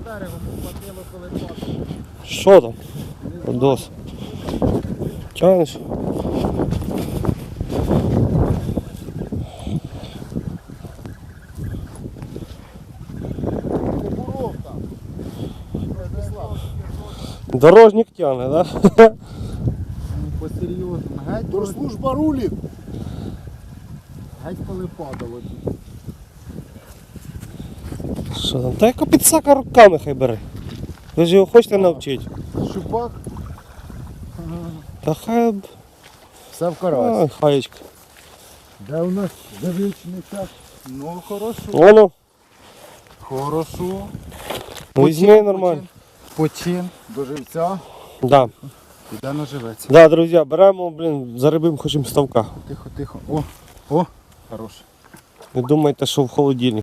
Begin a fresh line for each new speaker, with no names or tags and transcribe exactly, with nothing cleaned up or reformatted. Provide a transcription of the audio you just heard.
берегом попадило, коли падало.
Що там? Дос. Тянеш?
Буровка.
Дорожник тягне, да?
Ну, посерйозно. Геть, коли-
Служба рулит.
геть коли падало.
Що там? Та яка підсака руками хай бере. Ви ж його хочете навчити?
Щупак.
Та хай... б-
Все в
Ай,
карась.
хаєчка.
Де у нас девичний час? Ну, хорошо.
Воно,
Хорошо.
візьми нормально.
Почин до живця.
Да.
Іде наживеться.
Да, друзі, беремо, блін, зарибимо хочемо ставка.
Тихо, тихо. О, о, хорош.
Не думайте, що в холодильник.